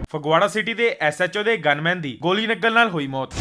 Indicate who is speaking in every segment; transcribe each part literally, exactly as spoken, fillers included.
Speaker 1: Phagwara city ਦੇ S H O ਦੇ gunman ਦੀ ਗੋਲੀ ਲੱਗਣ ਨਾਲ ਹੋਈ ਮੌਤ।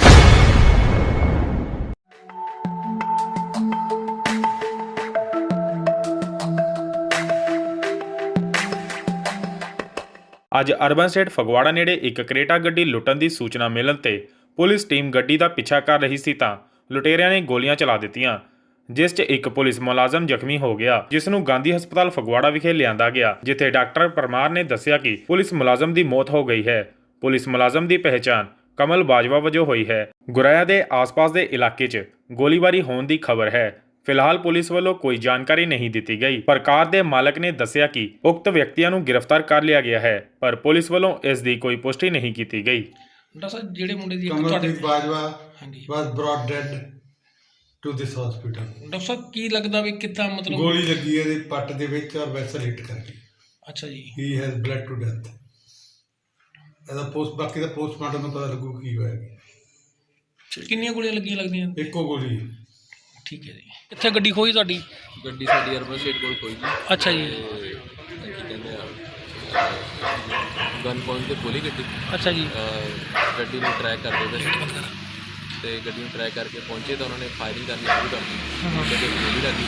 Speaker 1: ਅੱਜ ਅਰਬਨ ਸਟੇਟ ਫਗਵਾੜਾ ਨੇੜੇ ਇੱਕ ਕਰੇਟਾ ਗੱਡੀ ਲੁੱਟਣ ਦੀ ਸੂਚਨਾ ਮਿਲਣ ਤੇ ਪੁਲਿਸ ਟੀਮ ਗੱਡੀ ਦਾ ਪਿੱਛਾ ਕਰ ਰਹੀ ਸੀ ਤਾਂ ਲੁਟੇਰਿਆਂ ਨੇ ਗੋਲੀਆਂ ਚਲਾ ਦਿੱਤੀਆਂ, ਜਿਸ 'ਚ ਇੱਕ ਪੁਲਿਸ ਮੁਲਾਜ਼ਮ ਜ਼ਖਮੀ ਹੋ ਗਿਆ, ਜਿਸ ਨੂੰ ਗਾਂਧੀ ਹਸਪਤਾਲ ਫਗਵਾੜਾ ਵਿਖੇ ਲਿਆਂਦਾ ਗਿਆ, ਜਿੱਥੇ ਡਾਕਟਰ ਪਰਮਾਰ ਨੇ ਦੱਸਿਆ ਕਿ ਪੁਲਿਸ ਮੁਲਾਜ਼ਮ ਦੀ ਮੌਤ ਹੋ ਗਈ ਹੈ। ਪੁਲਿਸ ਮੁਲਾਜ਼ਮ ਦੀ ਪਹਿਚਾਣ ਕਮਲ ਬਾਜਵਾ ਵਜੋਂ ਹੋਈ ਹੈ। ਗੁਰਾਇਆ ਦੇ ਆਸ-ਪਾਸ ਦੇ ਇਲਾਕੇ 'ਚ ਗੋਲੀਬਾਰੀ ਹੋਣ ਦੀ ਖਬਰ ਹੈ। ਫਿਲਹਾਲ ਪੁਲਿਸ ਵੱਲੋਂ ਕੋਈ ਜਾਣਕਾਰੀ ਨਹੀਂ ਦਿੱਤੀ ਗਈ, ਪਰ ਕਾਰ ਦੇ ਮਾਲਕ ਨੇ ਦੱਸਿਆ ਕਿ ਉਕਤ ਵਿਅਕਤੀਆਂ ਨੂੰ ਗ੍ਰਿਫਤਾਰ ਕਰ ਲਿਆ ਗਿਆ ਹੈ, ਪਰ ਪੁਲਿਸ ਵੱਲੋਂ ਇਸ ਦੀ ਕੋਈ ਪੁਸ਼ਟੀ ਨਹੀਂ ਕੀਤੀ ਗਈ।
Speaker 2: ਡਾਕਟਰ ਸਾਹਿਬ ਜਿਹੜੇ ਮੁੰਡੇ ਦੀ
Speaker 3: ਕਮਲਪ੍ਰੀਤ ਬਾਜਵਾ
Speaker 2: ਹਾਂਜੀ
Speaker 3: was brought dead to this hospital।
Speaker 2: Doctor ਸਾਹਿਬ ਕੀ ਲੱਗਦਾ ਵੀ ਕਿੱਦਾਂ ਮਤਲਬ
Speaker 3: ਗੋਲੀ ਲੱਗੀ ਇਹਦੇ ਪੱਟ ਦੇ ਵਿੱਚ ਔਰ ਵੈਸਲ ਹਿੱਟ ਕਰ ਗਈ।
Speaker 2: ਅੱਛਾ ਜੀ,
Speaker 3: he has bled to death। ਇਹਦਾ ਪੋਸਟ ਬਾਕੀ ਦਾ ਪੋਸਟਮਾਰਟਮ ਨੂੰ ਪਤਾ ਲੱਗੂ ਕੀ ਹੋਇਆ।
Speaker 2: ਕਿੰਨੀਆਂ ਗੋਲੀਆਂ ਲੱਗੀਆਂ ਲੱਗਦੀਆਂ?
Speaker 3: ਇੱਕੋ ਗੋਲੀ।
Speaker 2: ਠੀਕ ਹੈ ਜੀ। ਕਿੱਥੇ ਗੱਡੀ ਖੋਈ ਤੁਹਾਡੀ?
Speaker 4: ਗੱਡੀ ਸਾਡੀ ਅਰਬਨ ਸਟੇਟ ਕੋਲ ਕੋਈ ਨਹੀਂ।
Speaker 2: ਅੱਛਾ ਜੀ।
Speaker 4: ਕੀ ਕਹਿੰਦੇ ਆ ਗਨ ਪੁਆਇੰਟ ਤੇ ਖੋਲੀ ਗੱਡੀ।
Speaker 2: ਅੱਛਾ ਜੀ।
Speaker 4: ਗੱਡੀ ਨੂੰ ਟਰੈਕ ਕਰਦੇ ਪਏ ਤੇ ਗੱਡੀ ਨੂੰ ਟਰੈਕ ਕਰਕੇ ਪਹੁੰਚੇ ਤਾਂ ਉਹਨਾਂ ਨੇ ਫਾਇਰਿੰਗ ਕਰਨੀ ਸ਼ੁਰੂ ਕਰ ਦਿੱਤੀ। ਗੱਡੀ ਗੋਲੀ ਲੱਗੀ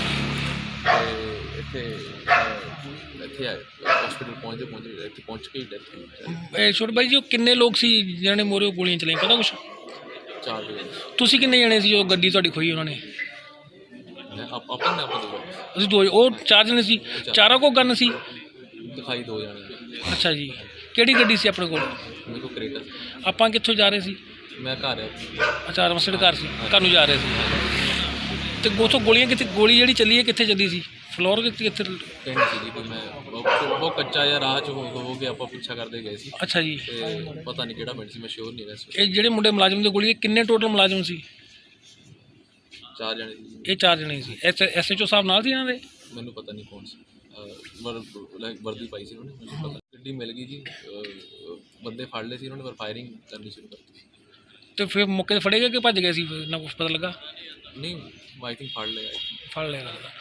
Speaker 4: ਤੇ ਇੱਥੇ ਇੱਥੇ ਆਏ ਹਸਪੀਟਲ ਪਹੁੰਚਦੇ ਪਹੁੰਚਦੇ ਇੱਥੇ ਪਹੁੰਚ ਕੇ ਹੀ ਡੈਥ ਹੋਈ।
Speaker 2: ਇਹ ਛੋਟੇ ਬਾਈ ਜੀ ਉਹ ਕਿੰਨੇ ਲੋਕ ਸੀ ਜਿਹਨਾਂ ਨੇ ਮੋਰੇ ਗੋਲੀਆਂ ਚਲਾਈਆਂ, ਪਤਾ ਕੁਛ?
Speaker 4: ਚਾਰ ਜਣੇ
Speaker 2: ਤੁਸੀਂ ਕਿੰਨੇ ਜਣੇ ਸੀ ਜੋ ਗੱਡੀ ਤੁਹਾਡੀ ਖੋਈ ਉਹਨਾਂ ਨੇ?
Speaker 4: ਆਪਾਂ ਨੇ ਆਪਾਂ ਦੋ
Speaker 2: ਅਸੀਂ ਦੋ, ਉਹ ਚਾਰ ਜਣੇ ਸੀ। ਚਾਰਾਂ ਕੋਲ ਗਨ ਸੀ?
Speaker 4: ਦਿਖਾਈ ਦੋ ਜਣੇ।
Speaker 2: ਅੱਛਾ ਜੀ। ਕਿਹੜੀ ਗੱਡੀ ਸੀ ਆਪਣੇ ਕੋਲ?
Speaker 4: ਮੇਰੇ ਕੋਲ ਕਰੇਟਾ।
Speaker 2: ਆਪਾਂ ਕਿੱਥੋਂ ਜਾ ਰਹੇ ਸੀ?
Speaker 4: ਮੈਂ ਘਰ ਆ।
Speaker 2: ਅੱਛਾ ਰਮਸੜ ਘਰ ਸੀ, ਘਰ ਨੂੰ ਜਾ ਰਹੇ ਸੀ। ਤੇ ਉੱਥੋਂ ਗੋਲੀਆਂ ਕਿੱਥੇ, ਗੋਲੀ ਜਿਹੜੀ ਚੱਲੀ ਹੈ ਕਿੱਥੇ ਚੱਲੀ ਸੀ? ਫਲੋਰ ਕਿੱਥੇ ਕਿੱਥੇ?
Speaker 4: ਪਿੰਡ ਸੀ ਜੀ ਕੋਈ, ਮੈਂ ਬਹੁਤ ਕੱਚਾ ਜਿਹਾ ਰਾਹ 'ਚ ਹੋ ਹੋ ਕੇ ਆਪਾਂ ਪਿੱਛਾ ਕਰਦੇ ਗਏ ਸੀ।
Speaker 2: ਅੱਛਾ ਜੀ।
Speaker 4: ਤੇ ਪਤਾ ਨਹੀਂ ਕਿਹੜਾ ਪਿੰਡ ਸੀ, ਮੈਂ ਸ਼ੋਰ ਨਹੀਂ ਰਿਹਾ।
Speaker 2: ਇਹ ਜਿਹੜੇ ਮੁੰਡੇ ਮੁਲਾਜ਼ਮ ਦੀ ਗੋਲੀ, ਕਿੰਨੇ ਟੋਟਲ ਮੁਲਾਜ਼ਮ ਸੀ?
Speaker 4: ਚਾਰ ਜਣੇ ਸੀ।
Speaker 2: ਇਹ ਚਾਰ ਜਣੇ ਸੀ। ਐਸ ਐਸ ਐਚ ਓ ਸਾਹਿਬ ਨਾਲ ਸੀ ਇਹਨਾਂ ਦੇ?
Speaker 4: ਮੈਨੂੰ ਪਤਾ ਨਹੀਂ ਕੌਣ ਸੀ। ਵਰ ਲਾਈਕ ਵਰਦੀ ਪਾਈ ਸੀ ਉਹਨੇ, ਮੈਨੂੰ ਪਤਾ। ਗੱਡੀ ਮਿਲ ਗਈ ਜੀ, ਬੰਦੇ ਫੜ ਲਏ ਸੀ ਉਹਨਾਂ ਨੇ, ਪਰ ਫਾਇਰਿੰਗ ਕਰਨੀ ਸ਼ੁਰੂ ਕਰਤੀ ਸੀ।
Speaker 2: ਤੇ ਫਿਰ ਮੌਕੇ 'ਤੇ ਫੜੇ ਗਏ ਕਿ ਭੱਜ ਗਏ ਸੀ? ਨਾ ਕੁਛ ਪਤਾ ਲੱਗਾ?
Speaker 4: ਨਹੀਂ, ਆਈ ਥਿੰਕ ਫੜ ਲਿਆ।
Speaker 2: ਫੜ ਲਿਆ ਲੱਗਦਾ।